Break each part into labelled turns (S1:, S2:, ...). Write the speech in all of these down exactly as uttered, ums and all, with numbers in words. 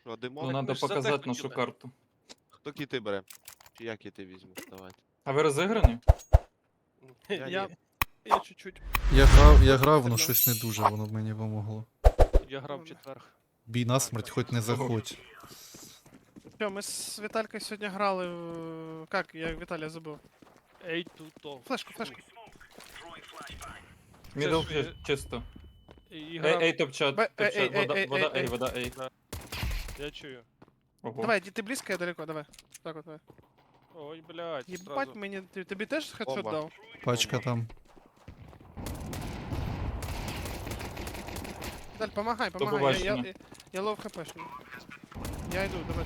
S1: Що, димо?
S2: Ну,
S3: ми
S2: надо
S3: ж за те
S2: показати нашу
S3: хотіли.
S2: карту.
S1: Хто кіти бере? Чи я кіти візьму? Давайте.
S2: А ви розіграні?
S1: Я
S3: Я,
S1: ні.
S3: я чуть-чуть.
S4: Я грав, я грав, воно
S3: Стріляв.
S4: щось не дуже, воно мені помогло.
S3: Я грав в четверг.
S4: Бій насмерть, хоч не заходь.
S5: Що, ми з Віталькою сьогодні грали в... Как? Я Віталія забув.
S3: Ей, тут
S5: Флешку, флешку.
S2: Мідл
S3: ж, е,
S2: чисто.
S3: І
S2: Ей,
S3: грав.
S2: ей, топ-чат,
S5: Бе- ей,
S2: топ-чат.
S5: ей,
S2: Вода,
S5: ей,
S2: вода,
S5: ей,
S2: ей,
S5: ей.
S2: вода, ей.
S3: Я чую.
S2: Ого.
S5: Давай, іди, ти близько, я далеко, давай. Так от, давай.
S3: Ой, блядь,
S5: Єбать
S3: сразу.
S5: мені, ти- тобі теж хедшот
S1: Бомба.
S5: дав?
S4: Пачка там.
S5: Віталь, помагай, помагай, я, я,
S2: побачення.
S5: я, я лов хпшний. Я йду, давай.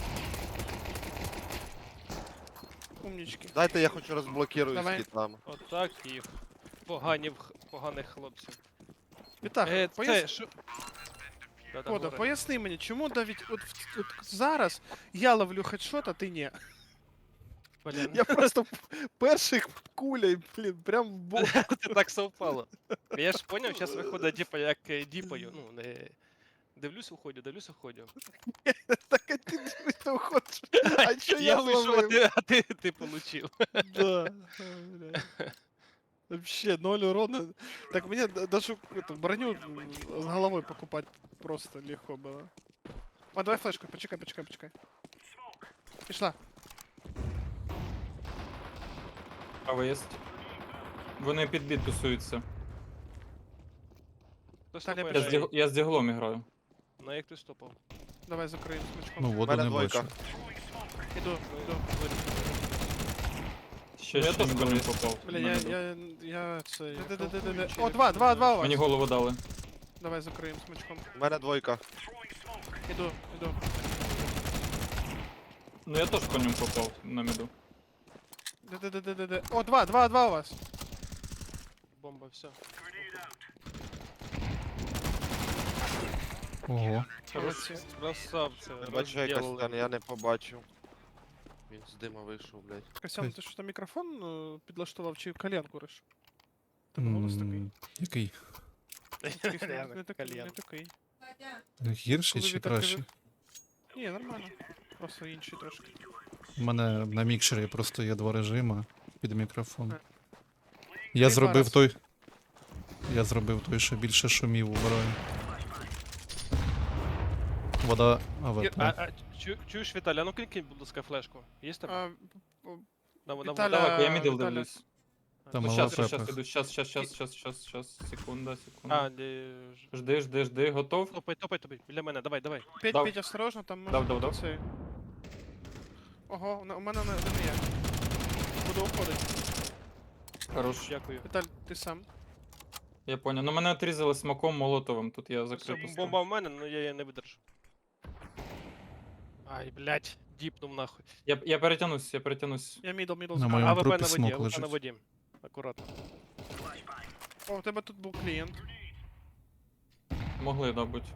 S5: Умнички.
S1: Дайте я хоч розблокирую
S5: Давай.
S1: з кітами.
S3: Отак їх. Поганів, поганих хлопців.
S5: Віталь,
S3: Е,
S5: пояс...
S3: це, що? Да-да,
S5: Кода,
S3: говори.
S5: поясни мені, чому навіть от, в- от зараз я ловлю хедшот, а ти ні?
S3: Блін,
S5: Я просто перший кулей, блін, прям в бок.
S3: це так совпало. Я ж поняв, зараз виходить, типа, як е, діпаю. Ну, не... Дивлюсь, уходю, дивлюсь, уходю.
S5: Так а ти дивись, уходиш. А що
S3: Я
S5: я
S3: вийшов, а
S5: зловив?
S3: ти, а ти, ти получив.
S5: Да. Бля. Вообще, ноль урона. Так мне д- даже эту броню м, с головой покупать просто легко было. А, давай флешку, почекай, почекай, почекай. Пішла.
S2: Право є. Вони під бід тусуються.
S3: Хто
S5: Таня,
S3: стопає
S2: Я
S3: на
S2: з,
S3: Ей?
S2: діг... я з діглом граю.
S3: На як ти стопав?
S5: Давай закриємо смачком.
S4: Ну,
S1: У
S4: воду
S1: мене
S4: не
S1: двойка.
S4: бачу.
S5: Іду, іду.
S2: Ще,
S3: Ну, я
S2: ще
S3: теж
S2: мідл не
S3: колись.
S2: попав.
S5: Бля,
S2: на
S5: я,
S2: мідл.
S5: я, я це...
S3: Я
S5: де-де-де-де-де.
S3: кайфую,
S5: О, два, два, два у вас.
S2: Мені голову дали.
S5: Давай закриємо смачком.
S1: У мене двойка.
S5: Іду, іду.
S2: Ну я теж по ньому попав на міду.
S5: Де-де-де-де-де. О, два, два, два у вас.
S3: Бомба, все.
S4: Ого.
S5: Молодці.
S3: Красавці,
S1: Не бачу якась
S3: розділили.
S1: стан, я не побачив. Він з дима вийшов, блядь.
S5: Костян, ти що там мікрофон е, підлаштував чи коленку риш? Тебе голос такий.
S4: М, Який?
S5: Такий,
S3: Реально,
S5: не такий, не
S3: кальян.
S5: такий.
S4: Гірший
S5: Коли
S4: чи
S5: Віталь
S4: кращий?
S5: каже- Ні, нормально. Просто інший трошки.
S4: У мене на мікшері просто є два режими під мікрофон.
S5: Ага.
S4: Я
S5: Ти
S4: зробив
S5: зараз.
S4: той. Я зробив той, що більше шумів убираю. Вода АВП.
S3: А, а, чу, чуєш, Віталя, а ну кинь, будь ласка, флешку. Є в тебе?
S5: А,
S3: На, на,
S5: Віталя-
S2: Давай, я мідл
S5: Віталя.
S2: дивлюсь.
S4: Там
S2: Ну,
S4: мала
S2: щас, щас, щас,
S4: пепа.
S2: іду, щас, щас, щас, щас, щас, щас, секунда, секунда.
S3: А, де... ж-
S2: Жди, жди, жди, готов?
S3: Топай, топай, топай, біля мене, давай, давай.
S5: Петь,
S2: Дав.
S5: Петь, осторожно, там може
S2: Дав, дав,
S5: бути
S2: дав.
S5: цей. Ого, у на- у мене не, не є. Буду уходити.
S2: Хорош.
S3: Дякую.
S5: Віталь, ти сам.
S2: Я понял. Ну мене отрізали смаком молотовим, тут я
S3: Все,
S2: закрив.
S3: бомба в мене, але я її не видержу. Ай, блядь, діпнув нахуй.
S2: Я, я перетянусь, я перетянусь.
S5: Я мідл, мідл.
S4: На
S5: закрив.
S4: моєму
S3: АВП
S4: трупі
S3: на воді,
S4: смок
S3: АВП на
S4: лежить.
S3: воді. Акуратно.
S5: О, у тебе тут був клієнт.
S2: Могли, да, бути.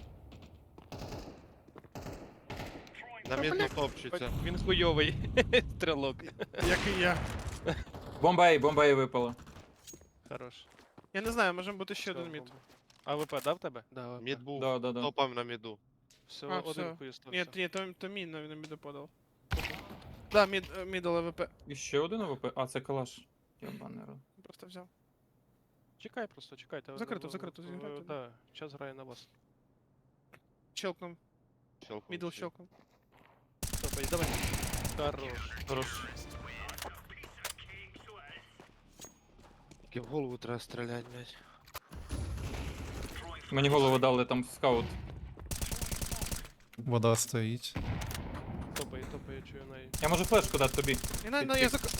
S1: На мідну топчеться.
S3: Він хуйовий. Стрілок.
S5: Як і я.
S2: Бомба Ей, бомба Ей випала.
S3: Хорош.
S5: Я не знаю, може бути ще
S3: Все,
S5: один мід.
S3: бомба. АВП дав тебе? Да, АВП.
S1: Мід був.
S2: Да, да, да.
S1: Топав на міду.
S3: Все,
S5: А,
S3: один
S5: все.
S3: хуй
S5: Ні,
S3: остався.
S5: ні, то, то мій на, на міду подав. Да, мід, е, мідл АВП.
S2: І ще один АВП? А, це калаш. Ябаний рот.
S5: Просто взяв.
S3: Чекай просто, чекайте.
S5: Закрито,
S3: В-
S5: закрито,
S3: в-
S5: зіграйте,
S3: Да, час грає на вас.
S5: Щелкнув.
S1: Щелкнув
S5: Мідл
S1: всі.
S5: щелкнув.
S3: Топай, давай. Хорош.
S2: Хорош.
S1: Тільки в голову треба стріляти, блядь.
S2: Мені голову дали там скаут.
S4: Вода стоїть.
S3: Топай, топай, я чую на...
S2: Я можу флешку дати тобі.
S5: І на, на
S2: Ти-
S5: я зак...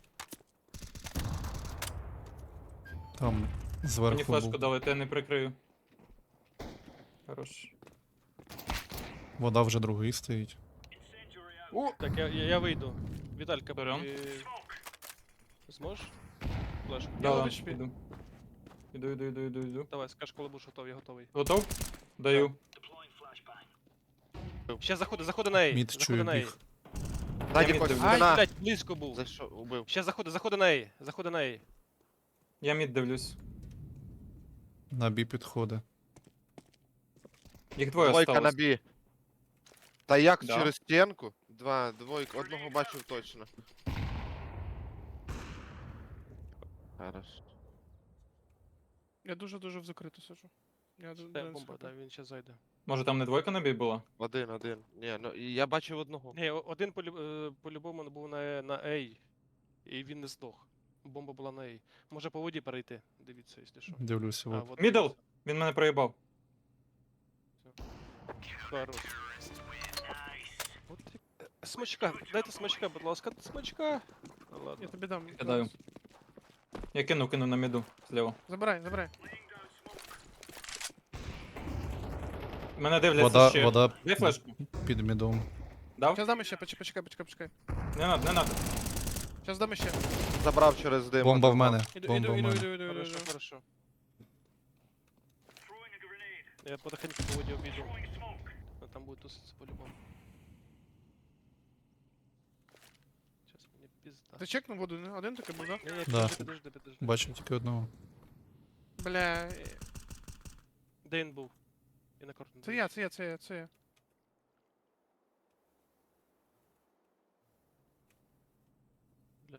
S4: Там
S2: Мені
S4: зверху
S2: флешку
S4: був.
S2: дали, то я не прикрию. Хорош.
S4: Вода вже другий стоїть.
S3: Так, я, я, я вийду. Віталька,
S2: Берем.
S3: ти... Зможеш? Флешку.
S2: Да,
S5: Я
S2: да,
S5: лиш пі-
S2: іду. Іду, іду, іду, іду, іду.
S3: Давай, скаж, коли будеш готовий, я готовий.
S2: Готов? Даю.
S3: Ще заходи, заходи на Ей.
S4: Мід
S3: заходи
S4: чую
S3: на Ей.
S4: біг.
S1: Ззаді
S2: мід
S1: когось
S2: дивлюсь.
S3: Ай,
S1: спина.
S3: блядь, близько був.
S1: За що убив?
S3: Ще заходи, заходи на Ей. Заходи на Ей.
S2: Я мід дивлюсь.
S4: На бі підходи.
S2: Їх двоє
S1: Двойка на
S2: осталось.
S1: бі. Та як
S2: Да.
S1: через стінку? Два, двойку, одного бачив точно. Хорош.
S5: Я дуже-дуже в закриту сиджу. Я д-
S3: Де
S5: д-
S3: бомба,
S5: схопив.
S3: да, він ще зайде.
S2: Може там не двойка на бій була?
S1: Один, один. Ні, ну і я бачив одного.
S3: Ні, о- один полю- е, по-любому був на, на A, і він не здох. Бомба була на A. Може по воді перейти, дивіться, якщо що.
S4: Дивлюся,
S3: А,
S4: от.
S3: вот
S2: Мідл!
S3: дивіться.
S2: Він мене проїбав.
S3: Хорош. От як- Е, Смачка, дайте смачка, будь ласка, смачка. Ну,
S5: Я
S3: ладно.
S5: тобі дам.
S2: Кидаю.
S5: зараз.
S2: Я кину, кину на міду зліва.
S5: Забирай, забирай.
S2: Мене дивляться
S4: Вода,
S2: ще.
S4: вода
S2: Дай флешку.
S4: під мідом.
S2: Дав?
S5: Сейчас дам ще, почекай, почекай, почекай, почекай.
S2: Не надо, не надо.
S5: Сейчас дам ще.
S1: Забрав через дим.
S4: Бомба в
S1: одного.
S4: мене.
S5: Іду,
S4: Бомба
S5: іду,
S4: в
S5: іду,
S4: мене.
S5: іду, іду, іду,
S3: Хорошо,
S5: іду.
S3: хорошо. Я потихоньку по воді обійду. А там буде туситься по-любому. Сейчас мені пізда.
S5: Ти чекнув воду, не? Один такий був, да?
S3: Ні, ні,
S4: Да.
S3: підожди, підожди, підожди.
S4: Бачив тільки одного.
S5: Бля, е,
S3: Де він був? Я на карту не
S5: це
S3: дивлюсь.
S5: я, це я, це я, це я.
S3: Блядь.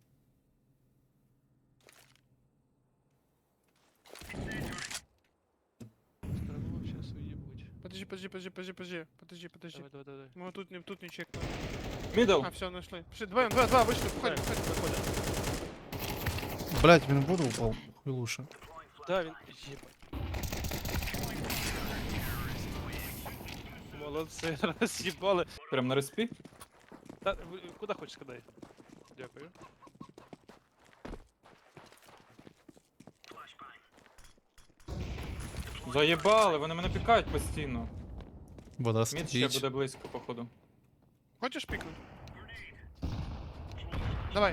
S3: Старого сейчас уебуть.
S5: Подожди, подожди, подожди, подожди, подожди, подожди, подожди.
S3: Давай, давай, давай.
S5: Мы тут не, тут не чекнули.
S2: Мідл!
S5: А, все, нашли. Пошли, два, два, два, вышли, входим,
S3: Так,
S5: входим.
S3: виходимо.
S4: Блять, він в воду упав. Хуйлуша.
S3: Да, він. Єбать. Молодці, роз'їбали.
S2: Прям на респі.
S3: Та, ви- куди хочеш скидай? Дякую.
S2: Заєбали, вони мене пікають постійно.
S4: Вода
S2: Мід ще
S4: стоїть.
S2: буде близько, походу.
S5: Хочешь пикнуть? Давай.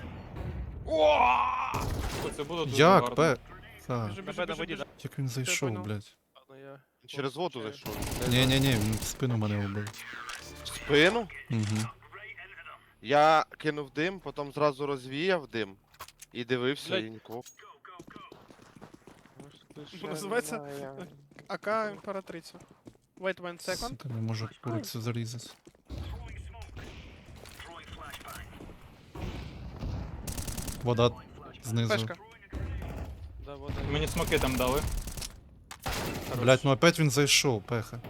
S2: О, це було дуже
S4: Як,
S2: гарно.
S4: пе? Так.
S5: Бежи, бежи,
S3: Тебе на
S5: бежи,
S3: воді,
S5: бежи.
S3: да?
S4: Як він зайшов,
S5: понял.
S4: блять.
S3: Ладно, я.
S1: Через воду
S3: Получаю.
S1: зайшов.
S4: Ні, ні, ні, він в спину мене убив.
S1: В спину?
S4: Угу.
S1: Я кинув дим, потім зразу розвіяв дим. І дивився,
S3: Блядь.
S1: і нікого.
S5: Називається АК імператриця. Wait one second.
S4: Сука, не можу курицю зарізати. Вода знизу.
S5: Пешка.
S3: Да, вода.
S2: Мені смоки там дали.
S4: Блять, ну опять він зайшов, пеха.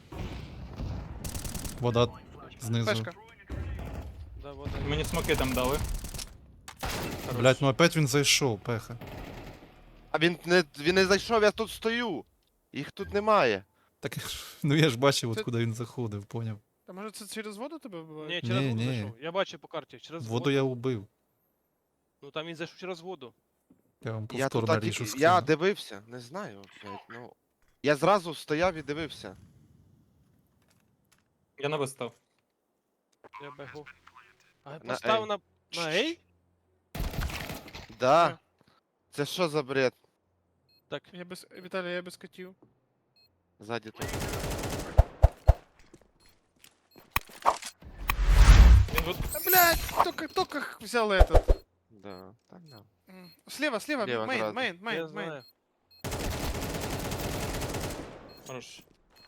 S4: Вода знизу.
S5: Пешка.
S3: Да, вода.
S2: Мені смоки там дали.
S4: Блять, ну опять він зайшов, пеха.
S1: А він не, він не зайшов, я тут стою. Їх тут немає.
S4: Так, ну я ж бачив,
S5: Це-
S4: от куди він заходив, поняв.
S5: А може це через воду тебе вбиває?
S3: Ні, через
S4: Ні,
S3: воду
S4: ні.
S3: зайшов. Я бачу по карті, через
S4: Воду
S3: воду.
S4: я убив.
S3: Ну там він зайшов через воду.
S4: Я вам
S1: Я тут
S4: повторно
S1: а,
S4: рішу
S1: тільки, я
S4: скину.
S1: дивився, не знаю, блядь, ну. Я зразу стояв і дивився.
S2: Я на став.
S3: Я бегу. А
S1: На
S3: постав
S1: A.
S3: на. На A?
S1: Да.
S5: Ні.
S1: Це що за бред?
S3: Так.
S5: Я без... Віталій, я без котів.
S1: Ззаді тут.
S2: Він тут.
S5: А, блядь, только, только взял этот.
S1: Да. Та да.
S5: М, Слева, слева,
S1: Слева
S5: мейн,
S1: сразу.
S5: мейн,
S3: Я
S5: мейн, мейн.
S3: знаю.
S2: Хорош.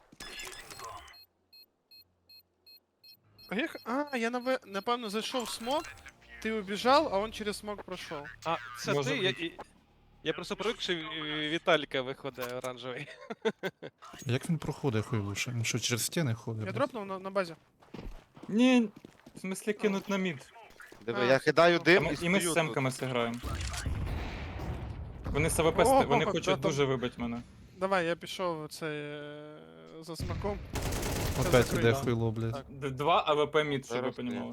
S5: А я, х- а, я наве- напевно зайшов в смок, ти убіжав, а он через смок пройшов.
S3: А, це
S2: Може
S3: ти? Я,
S2: бути.
S3: і- я просто привик, що е, Віталіка виходить оранжевий.
S4: Як він проходить хуйлуша? Він що, через стіни ходить?
S5: Я
S4: блядь?
S5: дропнув на, на базі.
S2: Ні, в смислі кинуть на мід.
S1: Диви,
S5: А,
S1: я кидаю
S2: А
S1: дим
S2: ми-
S1: і
S2: І ми
S1: стою
S2: з
S1: тут.
S2: семками зіграємо. Вони з АВП,
S5: О,
S2: ст- вони
S5: да
S2: хочуть
S5: там-
S2: дуже вибити мене.
S5: Давай, я пішов цей е, за смаком.
S4: Опять
S5: закрий,
S4: іде
S5: да.
S4: хуйло, блядь.
S3: Так.
S2: Д- Два АВП мід, щоб ви
S1: Зараз я.
S2: понімали.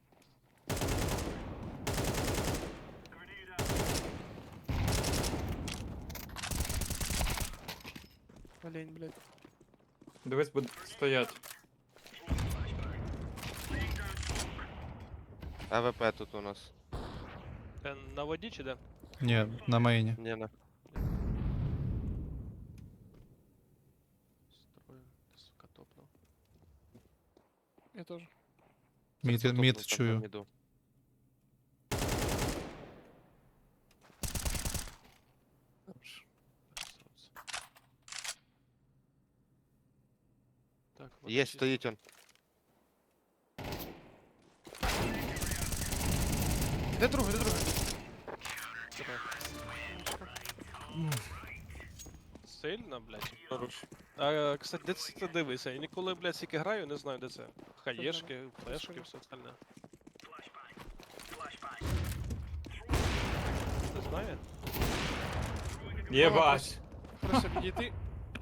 S5: Олень, блядь.
S2: Дивись, буде стоять.
S1: АВП тут у нас.
S3: Е, На воді чи де?
S4: Ні, на мейні.
S1: Ні, на.
S3: Строю, ти, сука, топнув.
S5: Я теж.
S4: Мід,
S1: Тут
S4: мід
S1: тут
S4: чую.
S1: на міду.
S3: Хорош. Красавці. Так, вода
S1: Є,
S3: чиста.
S1: стоїть он.
S5: Де другий, де другий?
S3: Сильно, блядь.
S2: Хорош.
S3: А, кстати, де це ти дивися? Я ніколи, блядь, стільки граю, не знаю, де це. Хаєшки, флешки,
S5: Розкажи.
S3: все остальне. Не знаю?
S2: Єбать.
S5: Просто підійти.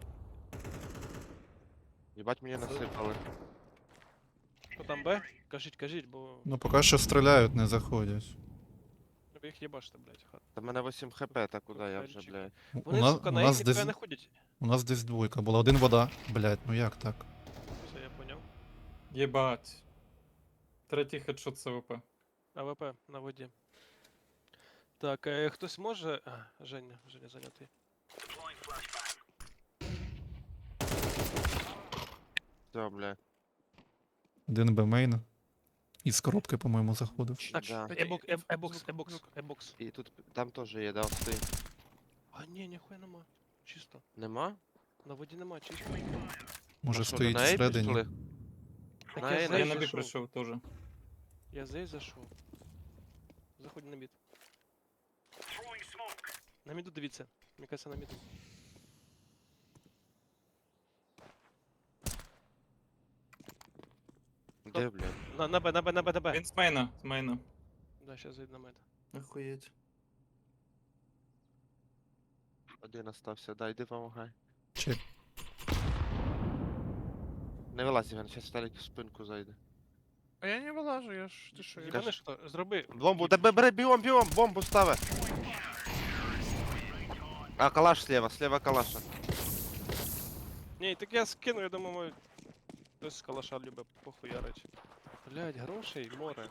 S1: Їбать мені насипали.
S3: Що там Б? Кажіть, кажіть, бо
S4: Ну поки що стріляють, не заходять.
S3: ви їх їбаште, блядь. хат.
S1: Та в мене вісім хп, та куди я вже,
S3: Коктейльчик.
S1: блядь.
S4: У,
S3: Вони,
S4: на-
S3: сука,
S4: у
S3: на
S4: нас
S3: їх
S4: десь
S3: ніхуя не ходять.
S4: у нас десь двойка була. Один вода. Блять, ну як так?
S3: Все, я поняв.
S2: Єбать. Третій хедшот СВП.
S3: АВП на воді. Так, е, хтось може. А, Женя, Женя зайнятий.
S1: Все, блядь.
S4: Один Б мейн. Із коробки, по-моєму, заходив.
S3: Так,
S1: Да.
S3: ебокс, ебокс, ебокс,
S5: Звук,
S3: ебокс,
S5: звук.
S3: ебокс.
S1: І тут, там теж є, да, стоїть.
S3: А ні, ніхуя нема. Чисто.
S1: Нема?
S3: На воді нема, чисто.
S4: Може
S1: А що,
S4: стоїть
S1: на Ей
S4: всередині.
S1: пішли?
S3: Так
S1: На
S3: я
S1: Ей,
S3: за
S1: на
S2: Я
S3: Ей
S2: на бік
S3: зайшов.
S2: прийшов теж.
S3: Я за Ей зайшов. Заходь на мід. На міду дивіться. Мені кажется, на міду.
S1: Де, блядь?
S3: На, на Б, на Б, на Б, на Б.
S2: Він з мейна, з мейна.
S3: Да, сейчас зайду на мед.
S2: Охуєть.
S1: Один остався, дай, йди помагай.
S4: Чек.
S1: Не вилазь, Іван, зараз Сталік в спинку зайде.
S5: А я не вилажу, я ж. Ти що, я
S3: Єбане що, зроби.
S1: Бомбу, тебе бери, бігом, бігом, бомбу стави. А, калаш слева, слева калаша.
S3: Ні, так я скину, я думаю, мой... Хтось з калаша любить похуярить. Блять, грошей, море.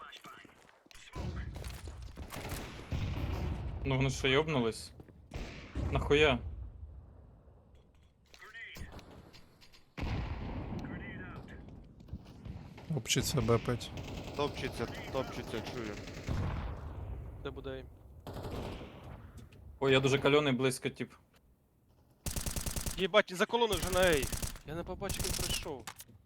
S2: Ну вони що йобнулись? Нахуя?
S4: Обчиться Б п'ять.
S1: Топчеться, топчеться, чую.
S3: Де буде ейм?
S2: Ой, я дуже кальоний близько, тип.
S3: Єбать, за колону вже на ей. Я не побачив, він прийшов.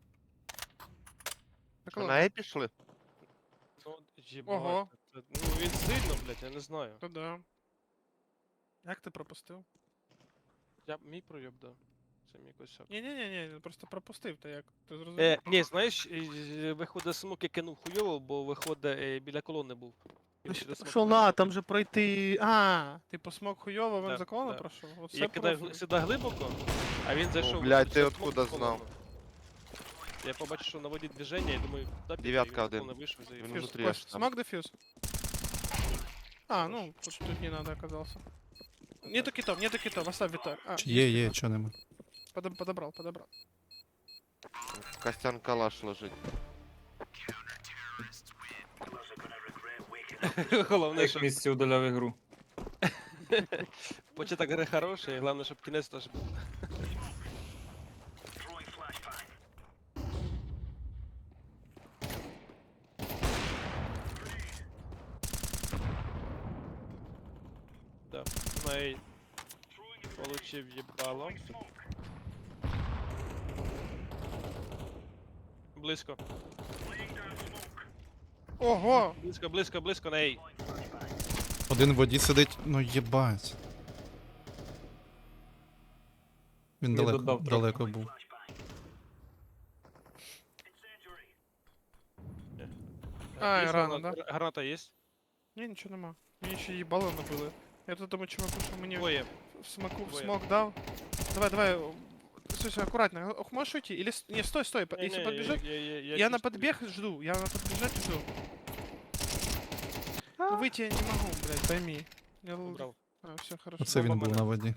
S5: Так,
S1: Що,
S5: ладно.
S1: на Ей пішли?
S3: Ну, єбать.
S5: Ого.
S3: це- Ну він сильно, блять, я не знаю.
S5: То да. Як ти пропустив?
S3: Я мій пройоб, да. Це мій косяк.
S5: Ні-ні-ні, просто пропустив, та як. Ти зрозумів?
S3: Е, ні, знаєш, е, е, виходить смок, я кинув хуйово, бо виходить е, біля колони був. Він через смок
S5: Пішов
S3: пройшов.
S5: на, там же пройти. А, типу смок хуйово, він
S3: Да,
S5: за колону
S3: да.
S5: пройшов. Оце
S3: Я кидаю
S5: профіль.
S3: гли- сюди глибоко, а він зайшов.
S1: блядь,
S3: через
S1: ти
S3: смок
S1: откуда
S3: в колону.
S1: знав?
S3: Я побачив, що на воді движення, і думаю, да, піду,
S1: Дев'ятка
S3: і він з
S1: один.
S3: колони вийшов і заїбав.
S1: Він
S5: Фьюз,
S1: внутрі
S5: Кость,
S1: аж там.
S5: смог дефьюз? А, ну, тут, тут не надо оказался. Нету китов, нету китов, оставь Виталь. А,
S4: Чи є, є, чого нема.
S5: подоб- подобрал, подобрал.
S1: Костян калаш лежить.
S3: Головне,
S2: Як
S3: що
S2: місці удаляв ігру.
S3: початок гри хороший, головне, щоб кінець теж був. Да, на ей. Получив єбало. Близько.
S5: Ого!
S3: Близько, близько, близько на ей.
S4: Один в воді сидить, ну єбать. Він
S2: Я
S4: далеко,
S2: додав трохи.
S4: далеко був.
S5: А,
S3: Близько,
S5: рано,
S3: граната-
S5: да?
S3: Граната є?
S5: Ні, нічого нема. Мені ще їбало набили. Я тут думаю, чуваку, що мені
S3: Двоє.
S5: в смоку, в
S3: Двоє.
S5: смок дав. Давай, давай. о, Слушай, аккуратно. Ох, можешь уйти? Или... с- Не, стой, стой. по-
S3: Не,
S5: Если
S3: не,
S5: подбежать...
S3: я, я,
S5: Я, на
S3: чувствую.
S5: подбег жду. Я на подбежать жду. Ну выйти я не могу, блядь, пойми. Я... л-
S3: Убрав.
S5: А, все, хорошо.
S4: Оце він
S3: бомба
S4: був
S3: мене.
S4: на воді.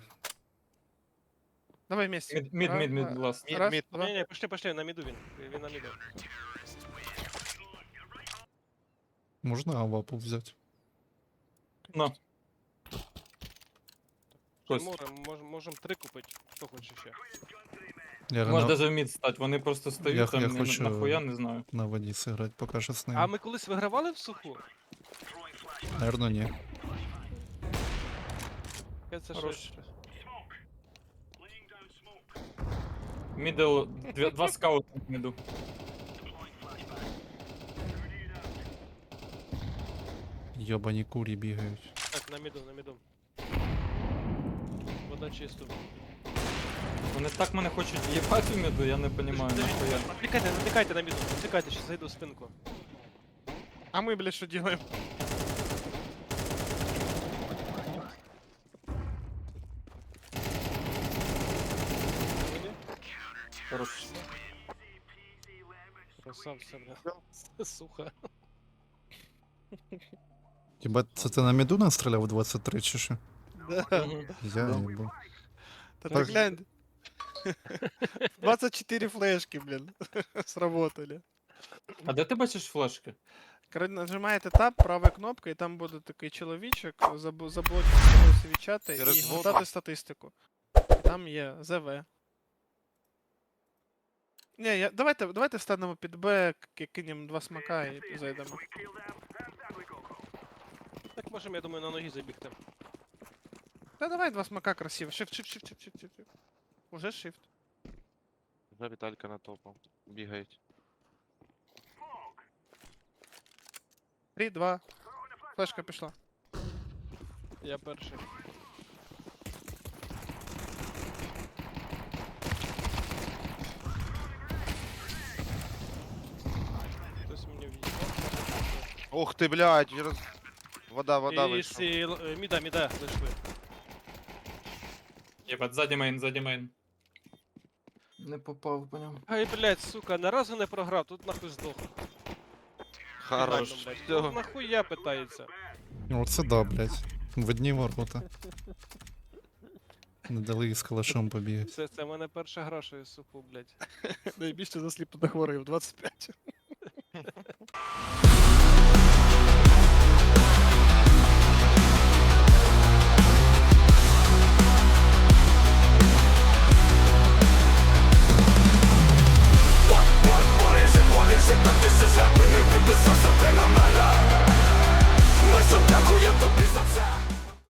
S5: Давай вместе.
S2: Мід, мід,
S5: Раз,
S2: мід, мід,
S5: два.
S2: ласт.
S1: Мід,
S5: Раз,
S1: мід.
S5: два.
S3: Не, не, пошли, пошли, на міду він. Він на міду.
S4: Можна авапу взяти.
S2: На. Кость.
S3: Море, мож, можем три купити. Хто хоче ще?
S4: Я
S2: Може
S4: на,
S2: даже в мід стати, вони просто стоять
S4: Я-
S2: там,
S4: я
S2: я
S4: хочу-
S2: нахуя не знаю.
S4: на воді сиграти, поки що з
S3: А
S4: ним.
S3: ми колись вигравали в суху?
S4: Наверно, ні.
S3: Це
S2: Хорош.
S3: щось.
S2: Мідл, дві- два скаути в міду.
S4: Йобані курі бігають.
S3: Так, на міду, на міду. Вода чисто.
S2: Вони так мене хочуть їбати в міду, я не розумію, нахуя.
S3: Отвлекайте, отвлекайте на міду, отвлекайте, сейчас зайду в спинку.
S5: А мы, блядь, что делаем?
S2: Хорош.
S3: Красавця, бля. Сухо.
S4: Хіба це ти на міду настріляв у двадцять три чи що?
S5: Да.
S2: Мгм.
S4: Я
S2: Да.
S4: їбу.
S5: Да ты
S4: Так.
S5: глянь. двадцать четыре флешки, блин, сработали.
S2: А де ти бачиш флешки?
S5: Коли нажимаєте Tab, правою кнопкою, і там буде такий чоловічок, заб- заблочити собою свічати і
S1: Через воду.
S5: гортати статистику. Там є ЗВ. Ні, я, давайте, давайте станемо під Б, к- кинемо два смака і зайдемо.
S3: Так можемо, я думаю, на ноги забігти.
S5: Та давай два смака красиво. Shift, shift, shift, shift, shift, shift. shift. Уже shift.
S1: Вже Віталька на топу. Бігають.
S5: Три, два. Флешка пішла.
S3: Я перший. Хтось мені в'їхав.
S1: Ух ти, блядь, роз... Вода, вода
S3: І
S1: вийшла.
S3: сі... л- е, міда, міда, зайшли.
S2: Єбать, ззаді мейн, ззаді мейн. Не попав по ньому.
S3: Ай, блядь, сука, ні разу не програв, тут нахуй здох.
S1: Хорош.
S3: Фінально, блядь.
S1: Всё.
S3: Ну, нахуя питається?
S4: Оце да, блядь. В одні ворота. Не дали із калашом побігати.
S3: Це, це в мене перша гра, що я суху, блядь.
S5: Найбільше засліпнутих ворогів, двадцять п'ять.